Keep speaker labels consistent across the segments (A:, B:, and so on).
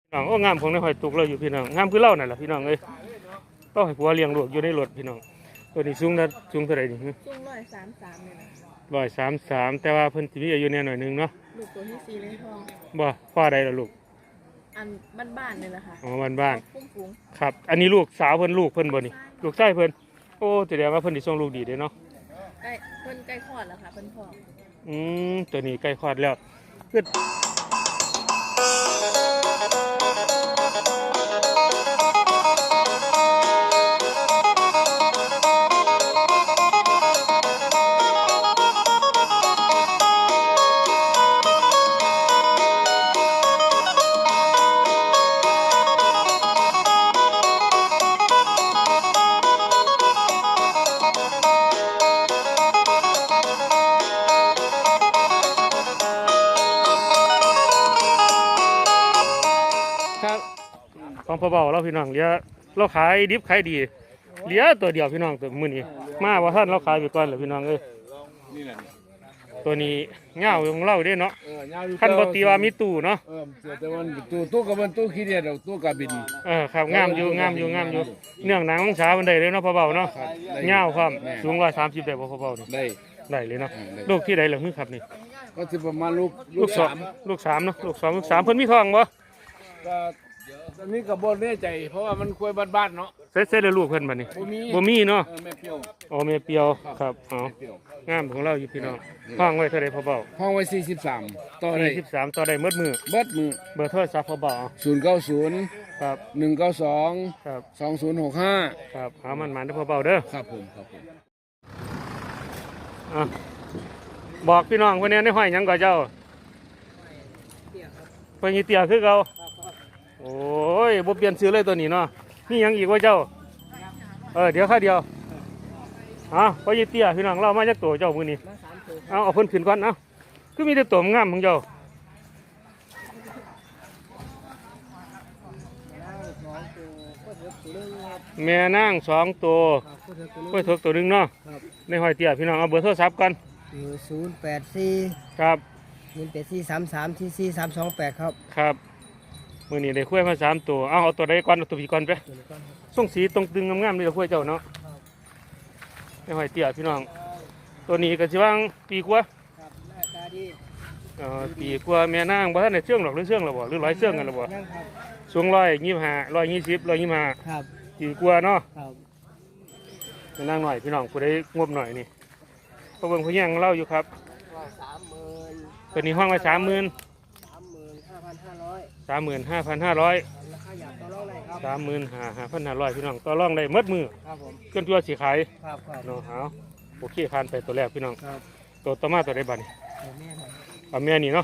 A: น้องโอ้งามของในหอยตุกเราอยู่พี่น้องงามคือเล่านั่นแหละพี่น้องเอ้ยต้องให้ผัวเลี้ยงลูกอยู่ในรถพี่น้องตัวนี้สูงนะสูงเท่าไหร่นี่
B: สูง133เลยนะ
A: 133แต่ว่าเพิ่นสิมีอายุแน่หน่อยนึงเนาะ
B: ลูกตัวที่4เลยทอง
A: บ่พ่อใดล่ะลูก
B: อันบ้านๆนี่แหละค่ะ
A: อ๋อบ้าน
B: ๆฟุ้ง
A: ๆครับอันนี้ลูกสาวเพิ่นลูกเพิ่นบ่นี่ลูกชายเพิ่นโอ้แสดงว่าเพิ่นสิส่งลูกดีเด้เนาะ
B: ใกล้เพิ่นใกล้คลอดแล้วค่ะเพิ่นท้อง
A: ตัวนี้ใกล้คลอดแล้วคือของพ่อเบาเราพี่น้องเลี้ยเราขายดิบขายดีเลี้ยตัวเดียวพี่น้องตัวมื้อนี้มาว่าท่านเราขายไปก่อนเหรอพี่น้องเอ้ยตัวนี้เงาของเราเด้เนาะคันบ่ตีว่ามีตู้เนาะ
C: แต่มันตู้กับมันตู้ขี้เดียดตู้กับบิน
A: ครับงามอยู่เนื่องหนังของสาวมันได้เลยเนาะพ่อเบาเนาะเงาความสูง130ได้บ่พ่อเบานี่ได้เลยเนาะลูกที่ใดเหรอฮึครับนี่
C: ก็สิประมาณลูก3
A: ลูก3เนาะลูก2ลูก3เพิ่นมีทองบ่
C: ก็ตอนนี้ก็บ่แน่ใจเพราะว่ามันคุยบ้านๆเนาะ
A: เสร็จแล้วลูกเพิ่นบัดนี้บ่มีเนาะ
C: แม่เปียว
A: อ๋อแม่เปียวครับอ๋องามของเราอยู่พี่น้องห้องไว้เท่าใดพ่อเบา
C: ห้องไว้43ต่อได้
A: 43ต่อได้หมดมือเบอร์โทรศัพท์พ่อเบา
C: 090
A: ครับ
C: 192
A: ครับ
C: 2065
A: ครับหามันเด้อพ่อเบาเด้อ
C: ครับผม
A: บอกพี่น้องเพิ่นแน่ในห้อยหยังก็เจ้าเพิ่นสิเตี้ยคือเก่าโอ้ยบ่เปลี่ยนชื่อเลยตัวนี้เนาะนี่ยังอีกว่าเจ้าเดี๋ยวค่าเดียวพอยี่เตี้ยพี่น้องเรามาจากตัวเจ้ามือนี้เอาเพิ่นขึ้นก่อนคือมีแต่ตัวงามของเจ้าแม่นาง2ตัวกล้วยเถิกตัวนึงเนาะในหอยเตี้ยพี่น้องเอาเบอร์โทรศัพท์กัน
D: 084
A: ครับ
D: 18433442328
A: ครับมือนี้ได้คุ้ยมา3ตัวเอาตัวใดก่อนเอาตัวพี่ก่อนไปส่งสีตรงตึงงามๆนี่เราคุ้ยเจ้าเนาะในหอยเตี้ยพี่น้องตัวนี้ก็สิว่างปีกว่าปีกว่าแม่นางบ่ทันได้เชื่องหรอกหรือเชื่องหรอบ่หรือ100เชื่องกันหรอบ่สูง125 120 125
D: ครับ
A: ปีกว่าเนาะ
D: ครับ
A: แม่นางหน่อยพี่น้องผู้ใดงบหน่อยนี่ก็เบิ่งผู้แย่งเล่าอยู่ครับ
D: 30,000
A: ตัวนี้ห้องไว้30,000
D: 35,500 ราคาอยากต่อรองได้ครับ
A: 35,500พี่น้องต่อรองได้หมดมือ
D: ครับผม
A: จนตัวสิขาย
D: ครับ
A: เนาะเอาโอเคผ่านไปตัวแรกพี่น้อง
D: ครับ
A: ตัวต่อมาตัวใดบัดนี้แม่นี่เนาะ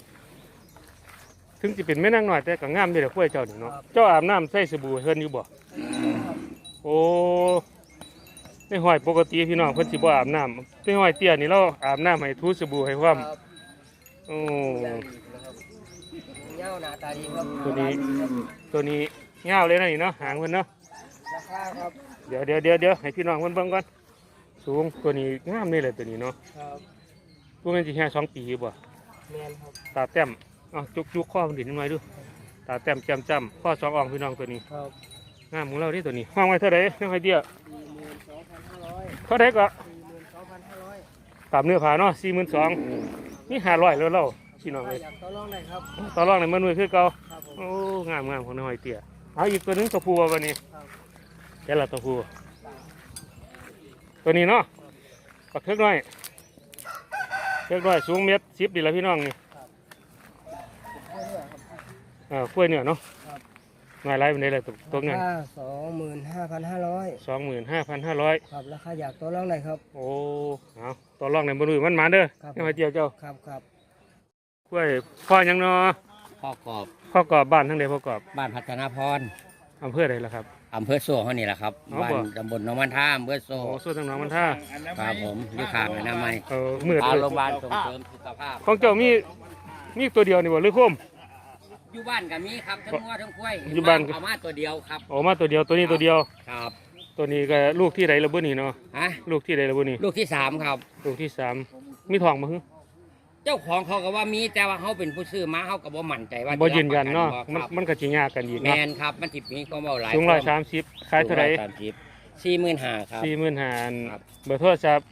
A: ถึงจะเป็นแม่นางหน่อยแต่ก็งามเด้อคุ้ยเจ้านี่เนาะเจ้าอาบน้ำใส่สบู่เฮิรนอยู่บ่โอ้ในห้อยปกติพี่น้องเพิ่นสิบ่อาบน้ำในห้อยเตี้ยนี่เราอาบน้ำให้ทูสบู่ให้ความโอ้
D: เงาหน้าตาดีครับ
A: ตัวนี้เงาเลยนะนี่เนาะหางเพิ่นเนาะ
D: ราคาครับ
A: เดี๋ยวให้พี่น้องเพิ่นเบิ่งก่อนสูงตัวนี้งามนี่แหละตัวนี้เนาะ
D: ครับ
A: ตัวมันสิแค่2 ปีบ่
D: แม่นครับ
A: ตาแต้มจุกข้อมันดินหน่อยดูตาแต้มจ้ำข้อ2อ่องพี่น้องตัวนี้
D: ครับ
A: งามของเราดิตัวนี้ห้องไว้เท่าไหร่ในห้อยเตี้ย
D: 42,500
A: เท่าไหร่ก็
D: 42,500
A: ตามเนื้อผ้าเนาะ42,000นี่500แล้วเราพี่น้องเลย
D: ต่อรองได้ครับ
A: ต่อรองในมันมือคือเก่าโอ้งามของในห้อยเตี้ยเอาอีกตัวนึงตัวผู้วันนี้แค่ละตัวผู้ตัวนี้เนาะปักเทือกน้อยสูง1.10 ดีแล้วพี่น้องนี่กล้วยเนื้อเนาะง่ายไรเป็นไรเลยตัวเงิน
D: 25,500ครับราคาอยากต่อรองได้ครับ
A: โอ้เอาต่อรองในบนมือมันมาเด้อไม่มาเจียวเจ้า
D: ครับ
A: กล้วยพ่อยังเนาะ
D: พ่อก
A: อบบ้านทั้งใดพ่อกอบ
D: บ้านพัฒนาพร
A: อำเภอใดล่ะครับ
D: อำเภอโซ่เขานี่แหละครับบ้านตำบลหนองมันท่าอำเภอโซ่
A: โซ่ทางหนองมันท่า
D: ครับผมอยู่ข้างอนามัย
A: มืด
D: เลยโรงพยาบาลส่งเสริมสุขภาพ
A: ของเจ้ามีตัวเดียวนี่บ่หรือคุ้ม
D: อยู่บ้านกับมีครับทั้งงัวทั้งควาย
A: อยู่บ้าน
D: เอามาตัวเดียวครับ
A: เอามาตัวเดียวตัวนี้ตัวเดียว
D: ครับ
A: ตัวนี้ก็ลูกที่ใดละบุนี่เนาะลูกที่ใดละบุนี่
D: ลูกที่3ครับ
A: ลูกที่3มีทองมั้ง
D: เจ้าของเขาก็ว่ามีแต่ว่าเขาเป็นผู้ซื้อมาเขาก็บ่มั่นใจว่า
A: บ่ยืนยันเนาะ
D: มั
A: มันก็สิยากกันอีก
D: แม
A: เนาะ
D: นครับมันสิมีความเว้าหลาย
A: สูง130ขายเท่าไหร่
D: 45,000ครับ
A: 45,000
D: ครับ
A: เบอร์โทรศัพท์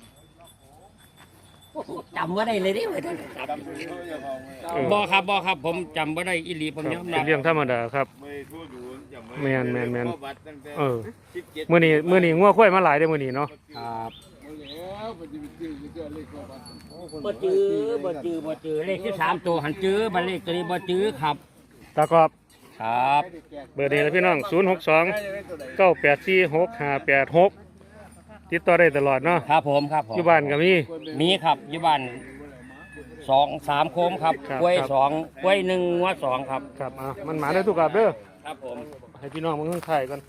D: จำว่าได้เลยดิเว้ยท่านบ่ครับผมจำว่าได้อีหลีผมยอม
A: เป็
D: รั
A: น
D: บ
A: เรื่องธรรมดาครับ แม่น เออ
C: 17
A: มื้อนี้งัวควายมาหลายเด้อมื้อนี้เนาะ
D: ครับ
C: แล้วมันจะไปจื้อเจ้าเลขบัตร
D: บ่จื้อเลขที่3ตัวหันจื้อบัดเลขตัวนี้บ่จื้อครับ
A: ตากอบ
D: ครับ
A: เบอร์นี้นะพี่น้อง062 984 6586ติดต่อได้ตลอดเนาะ
D: ครับผม
A: อยู่บ้านก็มี
D: มีครับอยู่บ้าน2-3โคมครับ
A: ครับ
D: กล้วย
A: ครับ
D: 2กล้วย1งัว2ครับ
A: ครับมันหมาได้ทุกกับเด้อ
D: ครับผม
A: ให้พี่น้องมึงข้างไข่กัน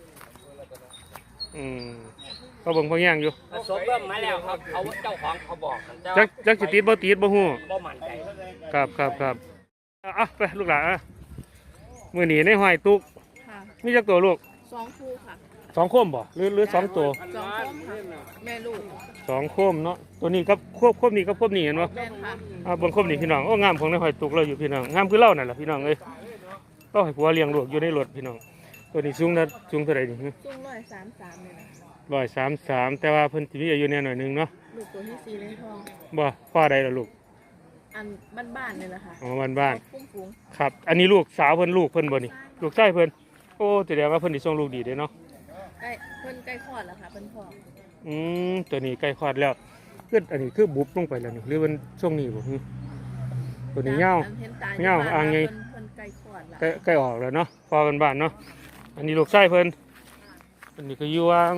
A: ก็เบิ่งพอแย่งอยู่
D: ผสมเริ่มมาแล้วครับเขาเจ้าของเขาบอกแต่
A: จั
D: ว่าก
A: จักสิติดบ่ติดบ่ฮู้
D: บ่มั่นใจ
A: ครับอ่ะไปลูกหลานอ่ะมื้อนี้ในห้อยตุก
B: ค่ะ
A: มีจักตัวลูก
B: 2 คู่ค่ะ
A: 2โคมบ่หรือ2ตัว
B: 2 คู่ค่ะแม่ลูก
A: 2โคมเนาะตัวนี้กับโคมนี้กับโคมนี้เห็นบ่
B: แม่นค่ะ
A: เบิ่งโคมนี้พี่น้องโอ้งามของในห้อยตุกเราอยู่พี่น้องงามคือเรานั่นล่ะพี่น้องเอ้ยเราให้ผัวเลี้ยงลูกอยู่ในรถพี่น้องตัวนี้สูงเท่าไหร่นี่
B: จุง133เลยนะ
A: 133แต่ว่าเพิ่นสิมีอายุแน่หน่อยหนึงเนาะ
B: ลูกตัวที่4เลยทอง
A: บ่พ่อใดล่ะลูก
B: อันบ้านๆนี่แหละค่ะ
A: อ๋อบ้าน
B: ฟุ้งฟุ้ง
A: ๆครับ อันนี้ลูกสาวเพิ่นลูกเพิ่นบ่นี่ลูกชายเพิ่นโอ้แสดงว่าเพิ่นสิส่งลูกดีเด้เนาะ
B: ใกล้เพิ่นใกล้คลอดแล้วค่ะเพิ่นพ่อ
A: ตัวนี้ใกล้คลอดแล้วคืออันนี้คือบุบลงไปแล้วนี่หรือมันช่วงนี้บ่ฮึตัวนี้ยาว
B: เห็นตา
A: เงาอ่างไง
B: เพิ่นใกล้คลอดแล้ว
A: ใกล้ออกแล้วเนาะพอบ้านๆเนาะอันนี้ลูกชายเพิ่นอันนี้ก็อยู่วาง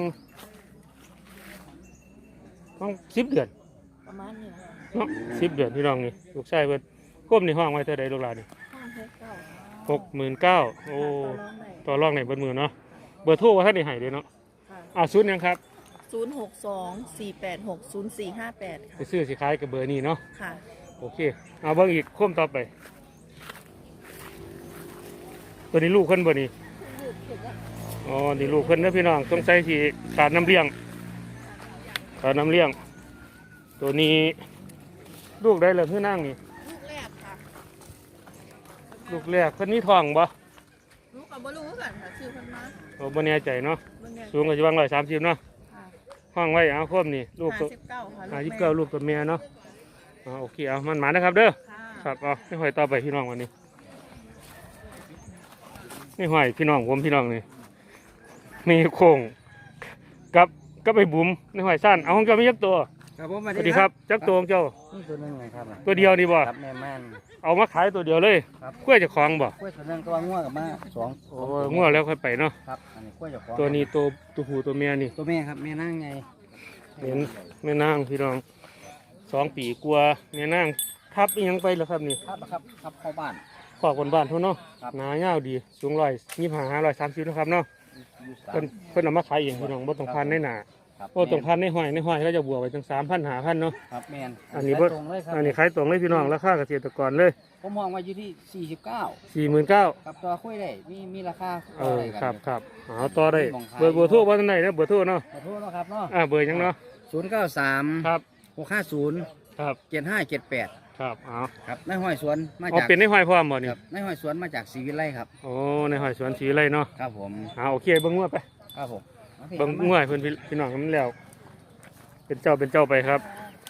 A: ต้อง10 เดือน
B: ประมาณนี้นะ
A: เนาะ10 เดือนพี่น้องนี่ลูกชายเพิ่นก้มในห้องไว้เท่าใดลูกหลานนี่
B: ห้องเทสเก้า
A: 69,000โอ้
B: ต่อรองได้
A: ต่อรองในเบิดมือเนาะเบอร์โทรว่าท่านได้ให้เด้เนาะ
B: ค่ะ
A: ศูนย์หยังครับ
B: 062-486-0458
A: ไป
B: ค่ะ
A: ซื้อสิขายกับเบอร์นี้เนาะ
B: ค่ะ
A: โอเคเอาเบิ่งอีกโค้มต่อไป ตัวนี้ลูกเพิ่นบ่นี่อ๋อนี่ลูกเพิ่นเด้อพี่น้องต้องใส่ที่ขาดน้ำเลี้ยงตัวนี้ลูกได้แล้วคือนั่งนี่
B: ลูกแรกค่ะ
A: ลูกแรกเพิ่นนี่ท้องบ่
B: ลูกกับบ่รู้กันค่ะชื่อเพิ่นมา
A: โอ้บ่แน่ใจเนาะ
B: เบิ่งแน่
A: สูงก็สิวาง130เนาะ
B: ค่ะ
A: ห้องไว้เอาโค้มนี่ลูกตัว
B: 59ค่ะ
A: 29ลูกตัวเมียเนาะโอเคเอามันหมานะครับเด้อ
B: ค่ะ
A: ครับเอาไม่หอยต่อไปพี่น้องวันนี้ไม่หอยพี่น้องผมพี่น้องนี่มีโค้งกับไปบุ๋มไม่หอยสั้นเอาของเจ้ามีจักตัว
D: ครับผม
A: สวัสดีครับจักตัวของเจ้า
D: นี่ตัวนึงไงครับ
A: ตัวเดียวนี่บ่
D: ครับแม่ม่าน
A: เอามาขายตัวเดียวเลย
D: ครับ
A: กล้วยเจะคล้าของบ่
D: กล้วยตัวนึงตัวง่วงกับมาสอง
A: โอ้ง่วงแล้วค่อยไปเนาะ
D: ครับอันนี้กล้วยเจ้าของ
A: ตัวนี้ตัวผู้ตัวเมียนี่
D: ตัวแม่ครับแม่นั่งไง
A: เห็นแม่นางพี่น้อง2 ปีกลัวาแม่นางทับอีหยังไปแล้วครับนี่
D: ครับเข้าบ้าน
A: ขอบคนบ้านเท่าเนาะ
D: ครับ
A: หนายาวดีสูง125 130นะครับเนาะ
D: อยู่สา
A: เพิ่
D: ม
A: นเพิ่นเอามาขายเองพี่น้องบ่ต้องพันในหนา
D: ครับ
A: บ่ต้องพันในห้อยเขาจะบวกไปถึง3,000 5,000เนาะ
D: ครับแม่น
A: อันนี้บ่
D: ตรงเลยครับ
A: อันนี้ขายตรงเลยพี่น้องราคาเกษตรกรเลย
D: ผมมองว่าอยู่ที่ 49
A: 49,000
D: ครับตัวคุยได้มีราคา
A: เออ
D: กัน
A: ครับ
D: อยู่
A: ครับเอาต่อได้
D: มองขาย
A: เบอร์โทรบ่ทันได้นะเบอร์โทรเนาะ
D: ขอโทษนะครับเนาะ
A: เบอร์หยังเนาะ
D: 093
A: ครับ
D: 650
A: ครับ
D: 7578
A: ครับเอา
D: ครับนายห้อยสวนมา
A: เอา
D: จาก
A: เป็นในห้อยพร้อมบ่นี่
D: ครับนายห้อยสวนมาจากศรีวิไลครับ
A: โอ้ในห้อยสวนศรีไรเนาะ
D: ครับผม
A: โอเคเบิ่งงัวไป
D: ครับผมอาพี่
A: เบิ่งงัวให้เพิ่นพี่น้องให้มันแล้ว เป็นเจ้าไปครับ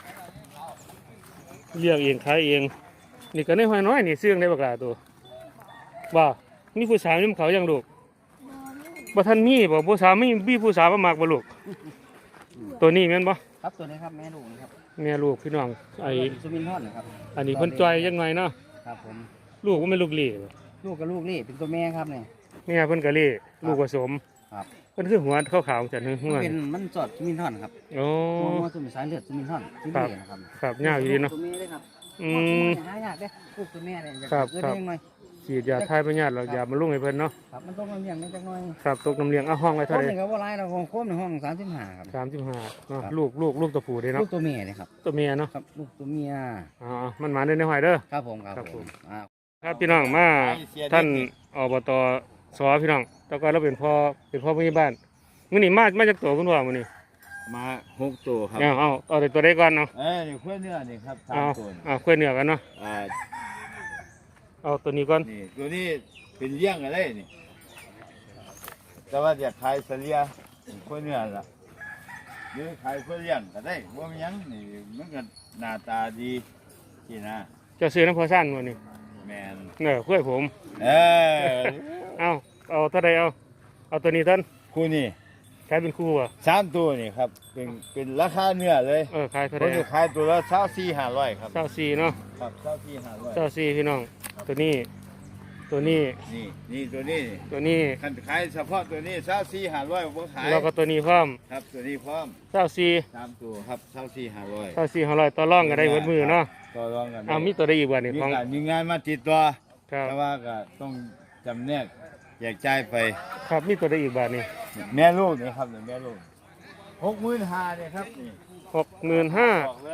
A: เลี้ยงเองขายเองนี่ก็ในห้อยน้อยนี่ซื้อได้บักหลาตัวว่ามีผู้สาวนี่เขายังลูก บ่ทันมีบ่ผู้สาวมีผู้สาวมามักบ่ลูก ตัวนี้แม่นบ่
D: ครับตัวนี้ครับแม่ลูกนะครับ
A: แม่ลูกพี่น้องไอ้
D: สุมินทอนนะครับ
A: อันนี้เพิ่นจอยยังไงเนาะ
D: ครับผม
A: ลูกก็ไม่ลูกเหล่บ่
D: ลูกกับลูกนี่เป็นตัวแม่ครับเนี่ย
A: แม่เพิ่นก็เหล่ลูกผสม
D: ครับ
A: เพิ่นคือหัวขาวๆจังนึงหัว
D: มันเป็นมันสอดสุมินทอนครับ
A: โอ้
D: มันสุมินสายเลือดสุมินทอนที่
A: ครับ
D: เลือดนะครับ
A: ครับยาวอยู่ดีเนาะ
D: ตัวแม่เลยครับ
A: อืม
D: หายากเด้ลูกตัวแม่เนี่ยอยาก
A: ครับ
D: เกิด
A: ครับ
D: เองหน่อย
A: ฉีดยาทายพยาธิเรายามาลุ่งให้เพิ่นเนาะ
D: ครับมันต้องมาเลี้ยงนิดจักหน่อย
A: ครับตกน้ำเลี้ยงเอาห้องไว้
D: โค
A: เท่าม ไหร่
D: นี่ก็ว่าไรเราของโคมในห้อง35ครับ
A: 35เนาะ
D: ครับ
A: ลูกตัวผู้เด้
D: ลู
A: เนาะ
D: กตัวแม่เลยครับ
A: ตัวเมียเนาะ
D: ครับลูกตัวเมีย
A: อ๋อมันมาได้ในห้อยเด้อ
D: ครับผมครับ
A: ครับ
D: ผม
A: ครับพี่น้องมาท่านอบตสพี่น้องแต่ก็เราเป็นพ่อผู้ใหญ่บ้านมื้อนี้มาจากตัวเพิ่นว่ามื้อนี้
E: มา6ตัวครับ
A: เอาแต่ตัวได้ก่อนเนาะ
E: นี่ขั้วเนื้อนี่ครับ
A: เอา
E: 3ตัว
A: เอาค่อยเหนือกันเนาะ
E: อ่า
A: เอาตัวนี้ก่อน
E: นี่ตัวนี้เป็นเลี้ยงอะไรนี่แต่ว่าอยากขายเสลียขั้วเนื้อล่ะหรือขายขั้วเลี้ยงก็ได้ว่ามันหยังนี่มันก็หน้าตาดีที่นะ
A: เจะซื้อน้ำพอสั้นวันนี้
E: แมน
A: ค่อยผม
E: เออ
A: เอาเท่าใดเอาตัวนี้ท่าน
E: คู่นี่
A: ขายเป็นคู่อ่ะ
E: 3ตัวนี่ครับเป็นราคาเนื้อเลย
A: ขายเท่า
E: ผ
A: ใด
E: มจะขายตัวละ24,500ครับ
A: 24เนาะ
E: ครับ24,500
A: 24พี่น้องตัวนี้ ตัวนี้
E: นี่ตัวนี้
A: ตัวนี้
E: คันขายเฉพาะตัวนี้24,500บ่ขาย
A: แล้วก็ตัวนี้พร้อม
E: ครับตัวนี้พร้อม
A: 24
E: 3ตัวครับ24,500
A: 500ต่อรองก็ได้หมดมือเนาะ
E: ต่อรองกันได้
A: มีตัวได้อีกบ่นี่
E: มี
A: ของ
E: การมีงานมาติดตัว
A: ครับ
E: แต่ว่าก็ต้องจำแนกแยกจ่ายไป
A: ครับมีตัวได้อีกบ่นี่
E: แม่ลูกนี่ครับแม่ลูก65,000เนี่ยครับนี่
A: 65,000
E: บอกเลย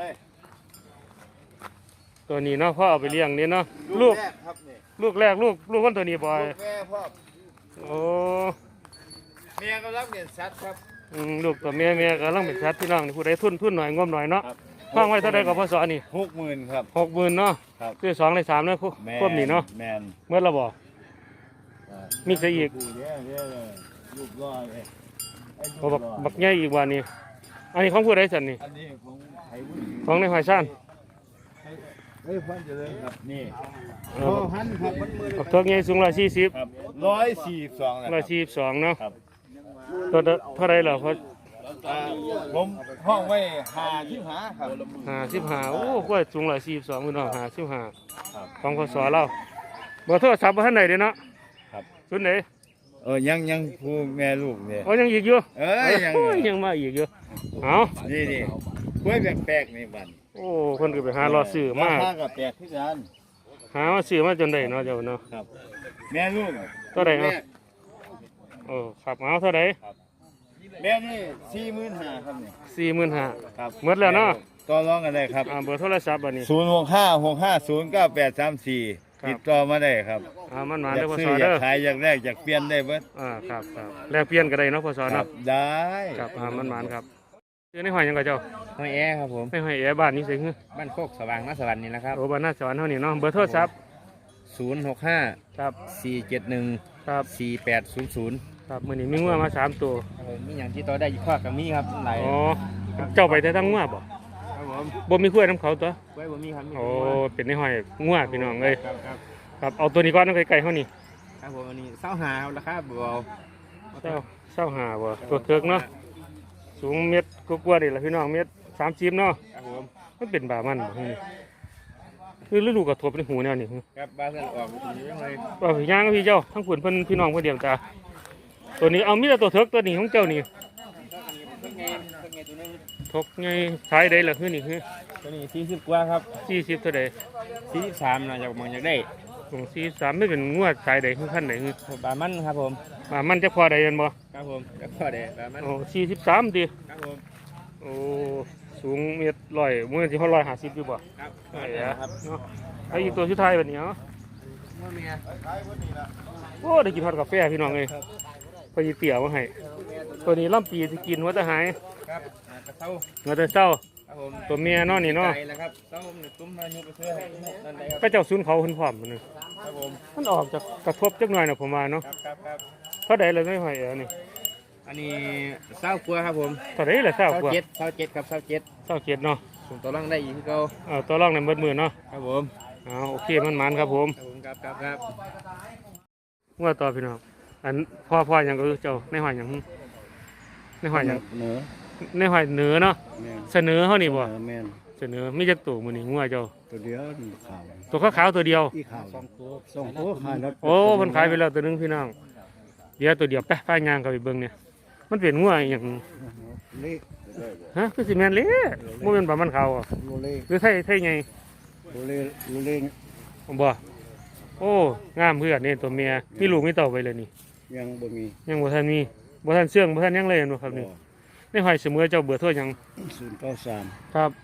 A: ตัวนี้เนาะพ่อเอาไปเลี้ยงนี่เนาะลูก
E: แรกครับนี่
A: ลูกแรกลูกคนตัวนี้บ่อย
E: ลูกแม่พ่อ
A: โอ้
E: เมียก็รับเงินสัตว์ครับ
A: ลูกตัวแม่กำลังเป็นชัดพี่น้องนี่ผู้ใดทุนหน่อยงบหน่อยเนาะ
E: ครับ
A: ฟังไว้เท่าใดก็พอสอนี่
E: 60,000ครับ
A: 60,000เนาะ
E: ครับ
A: คือ2ใน3เนาะควบนี่เนาะ
E: แมน
A: เมื่อเราบ่ มีซะอีก
E: เดี๋ยวลูกรอเลยไอ้ลู
A: โอ้
E: กร
A: บักใหญ่อีกว่านี่อันนี้ของผู้ใดสั่นนี่
E: อันนี้ของไทยวุ้น
A: ของในหอยซ่าน
E: เฮ้ยพันเจริญครับนี่
A: เอ
E: พ่อ
A: อ
E: พันครับมันมือ
A: บักเทิกใหญ่สูง140
E: ครับ142นะครับ
A: 142เนาะตัวเท่าใดเหรอพอ
E: ผมห้องไว้55ครับ
A: 55โอ้กล้วยสูง142พี่น้อง55
E: ครับ
A: ของพศเราเบอร์โทรศัพท์บ่ทันได้เด้เนาะ
E: ครับ
A: ศูนย์ไหน
E: ยังผู้แม่ลูกเนี่ย
A: ยังอีกอยู่
E: ยัง
A: ยังมาอีกอยู่เอา
E: นี่กล้วยแปลกๆนี่บัน
A: โอ้คนก็ไปหารอซื้อมา
E: ราคาก็แปลกขึ้นกัน
A: หามาซื้อมาจนได้เนาะเจ้าเนาะ
E: ครับแม่ลูก
A: เท่าไหร่ครับ โอ้ครับเอาเท่าไหร่
E: แม่นี่45,000ครับนี่
A: 45,000
E: ครับ
A: หมดแล้วเนาะ
E: ต่อรองกันได้ครับ
A: เบอร์โทรศัพท์บัดนี้
E: 0656509834 ติดต่อมาได้ครับ
A: มันมา
E: อ
A: เด้
E: ยา
A: อก พ
E: ซื้
A: ศ
E: ออ
A: เด้
E: ยา
A: อก
E: ขายอยากแลกอยากเปลี่ยนได้เบิด
A: ครับแลกเปลี่ยนก็ได้เนาะพศ
E: ครั
A: เนาะ
E: บได้
A: ครับมันมาครับซื้อในหอยหยังก็เจ้า
D: ห้อยแอครับผม
A: ในหอยแอบ้านนี้สิคือ
D: บ้านโคกสว่างนาสวรรค์นี่นะครับ
A: โอ้บ้านหน้าสวรรค์เฮานี่เนาะเบอร์โทรศัพท์
D: 065
A: ครับ
D: 471
A: ครับ
D: 4800
A: ครับมื้อนี้มีงัวมา3ตัว
D: ครับผมมีอย่างที่ต่อได้อีกข้อกับมีครับหลาย
A: อ๋อเจ้าไปแต่ทั้งงัวบ่
D: ครับผม
A: บ่มีกล้วยน้ำเขาตัว
D: ไว้บ่มีครับมี
A: โอ้เป็นในหอยงัวพี่น้องเอ้ย
D: ครับครับ
A: ครับเอาตัวนี้ก่อนไกลๆเฮานี่
D: ครับผมอันนี้เศร้าหาครับราคาเบา
A: เศร้าหาบ่ตัวเถิกเนาะสูงเม็ดกว่าๆนี่ล่ะพี่น้องเม็ด30เนาะ
D: ครับผม
A: มันเป็นบามันบ่ฮู้นี่คือฤดูกระทบในหูแนวนี่
D: ครับบ้านเพื่อนออกดีจังเลย
A: ว่าพี่ย่างกับพี่เจ้าทั้งฝุ่นเพิ่นพี่น้องเพิ่นเดียวตาตัวนี้เอามีแต่ตัวเถิกตัวนี้ของเจ้านี่
D: เพิ่งไงตัวนึง
A: ทกไงขายได้ล่ะคือนี่คือ
D: ตัวนี้40กว่าครับ
A: 40เท่าใด
D: 43นะอยากมองอยากได้
A: ของ43ไม่เป็นงวดขายได้คือคันใดคือ
D: ปลามันครับผม
A: มันจะพอได้ยันบ่
D: ครับผมแล้วก็ได้ปลามัน
A: โอ้43ติ
D: ครับผม
A: โอ้สูงเมตร100มื้อที่เฮา150อยู่บ่
D: ครับ
A: ไอ้อะเนาะไอ้อีกตัวสุดท้ายบัดนี้เนาะ
D: ว่าเมีย
A: โอ้ได้กินฮอดกาแฟพี่น้องเอ้ยพอสิเตี๋ยวมาให้ตัวนี้ลำปีสิกินว่าจะหาย
D: ครับกระเซ้า
A: ว่าจะเศร้า
D: ครับผม
A: ตัวเมียเนาะนี่เนาะ
D: ไก่แล้วครับเซ้าผมเนี่ยตุ้มมายุไปซื้อให้นั่นได้ครับ
A: ก็เจ้าซุนเขาเพิ่นพร้อมมันนึง
D: ครับผม
A: มันออกจากกระทบจักหน่อยน่ะผมว่าเนาะ
D: ครับ
A: เท่าใดเลยไม่หอยนี่
D: อันนี้เศร้ากลัวครับผม
A: เท่าใดล่ะเศร้ากว่า
D: เศร้าเจ็ดครับเศร้าเจ็ด
A: เศร้าเกียรติเนาะ
D: ส่งตัวร่างได้อีกที่เก่า
A: ตัวรองในเบิดมือเนาะ
D: ครับผม
A: โอเคมันมันครับผม
D: ครับ
A: ว่าต่อพี่น้องอันพ่อหยังก็คือเจ้าในหอยหยังในหอยหยัง
E: เนื้อ
A: ในหอยเหนือเนาะ
E: แม่น
A: เสนอเฮานี่บ่
E: แม่น
A: เสนอมีจักตัวมื้อนี้งัวเจ้า
E: ตัวเดียวนี่ขาว
A: ตัวขาวๆตัวเดียว
E: อีขาว2ตัวขายแล้ว
A: โอ้เพิ่นขายไปแล้วตัวหนึงพี่น้องเดี๋ยวตัวเดียวไปป้ายยางเข้าไปเบิ่งเนี่ยมันเป็นงัวอหย่าง
E: เล็ก
A: ฮะคือสิแม่นเละบ่แม่นประมันเขาอ่ะ
E: โลเล็ก
A: หรือไทยไง
E: โลเล็กโลเล็ก
A: ผมบ่โอ้งามเพื่อนนี่ตัวเมียมีลูกมีเต่าไปเลยนี่
E: ยังบ่มี
A: ยังบ่ทันมีบ่ทันเชื่องบ่ทันหยังเลยเห็นบ่ครับนี่ในหอยเสมอเจ้าเบื่อโทษหยัง
E: 093
A: ครับ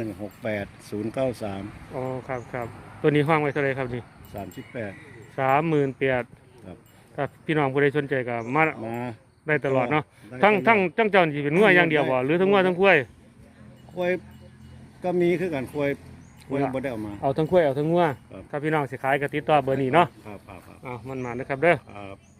E: 5168 093
A: อ๋อครับตัวนี้ห้องไว้เท่าไหร่ครับนี่
E: 38
A: 38,000
E: ครับ
A: ถ้าพี่น้องผู้ใดสนใจก็มา
E: มา
A: ได้ตลอดเนาะทั้งเจ้านี่เป็นงัวอย่างเดียวบ่หรือทั้งงัวทั้งกล้วย
F: ควายก็มีคือกันควายบ่ได้เอามา
A: เอาทั้งกล้วยเอาทั้งงัว
F: ครับ
A: ถ้าพี่น้องสิขายก็ติดต่อเบอร์นี้เนาะ
F: ครับ
A: มันมานะครับเด้อ
F: ครับ